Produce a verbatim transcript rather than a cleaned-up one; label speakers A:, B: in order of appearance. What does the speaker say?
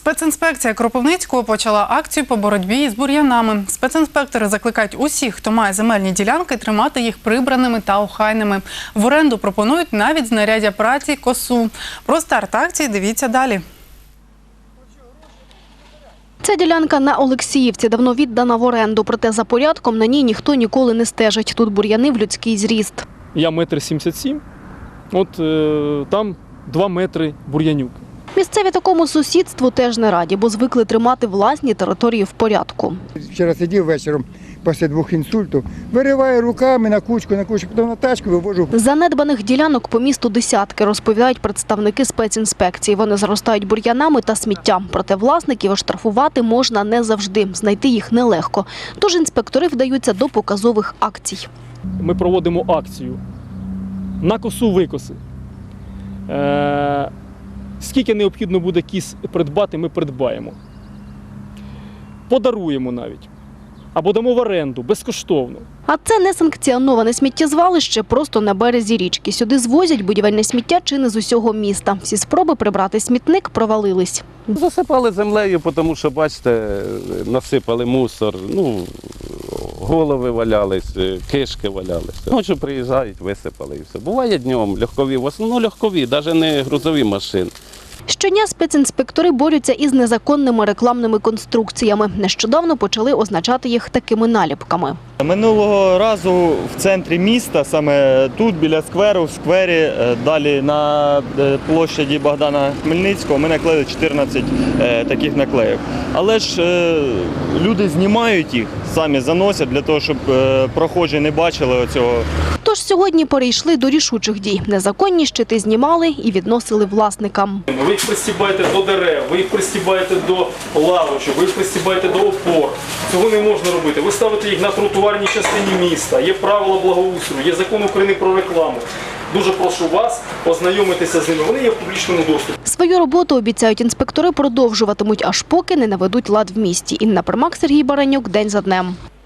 A: Спецінспекція Кропивницького почала акцію по боротьбі з бур'янами. Спецінспектори закликають усіх, хто має земельні ділянки, тримати їх прибраними та охайними. В оренду пропонують навіть знаряддя праці косу. Про старт акції дивіться далі.
B: Ця ділянка на Олексіївці давно віддана в оренду, проте за порядком на ній ніхто ніколи не стежить. Тут бур'яни в людський зріст.
C: Я метр сімдесят сім, от е, там два метри бур'янюк.
B: Місцеві такому сусідству теж не раді, бо звикли тримати власні території в порядку.
D: Вчора сидів вечором після двох інсультів, вириваю руками на кучку, на кучку, потім на тачку вивожу.
B: Занедбаних ділянок по місту десятки, розповідають представники спецінспекції. Вони заростають бур'янами та сміттям. Проте власників оштрафувати можна не завжди, знайти їх нелегко. Тож інспектори вдаються до показових акцій.
C: Ми проводимо акцію на косу викоси. Е, скільки необхідно буде кіс придбати, ми придбаємо. Подаруємо навіть. Або дамо в оренду, безкоштовно.
B: А це несанкціоноване сміттєзвалище просто на березі річки. Сюди звозять будівельне сміття чи не з усього міста. Всі спроби прибрати смітник провалились.
E: Засипали землею, тому що, бачите, насипали мусор, ну, голови валялись, кишки валялися. Ночі приїжджають, висипали і все. Буває днем, легкові, в основному легкові, навіть не грузові машини.
B: Щодня спецінспектори борються із незаконними рекламними конструкціями. Нещодавно почали означати їх такими наліпками.
F: Минулого разу в центрі міста, саме тут, біля скверу, в сквері, далі на площаді Богдана Хмельницького, ми наклеїли чотирнадцять таких наклеїв. Але ж люди знімають їх, самі заносять для того, щоб прохожі не бачили цього.
B: Тож сьогодні перейшли до рішучих дій. Незаконні щити знімали і відносили власникам.
C: Ви їх пристібаєте до дерев, ви їх пристібаєте до лавочок, ви їх пристібаєте до опор. Цього не можна робити. Ви ставите їх на тротуарній частині міста. Є правила благоустрою, є закон України про рекламу. Дуже прошу вас ознайомитися з ними. Вони є в публічному доступі.
B: Свою роботу, обіцяють інспектори, продовжуватимуть, аж поки не наведуть лад в місті. Інна Примак, Сергій Баранюк. День за днем.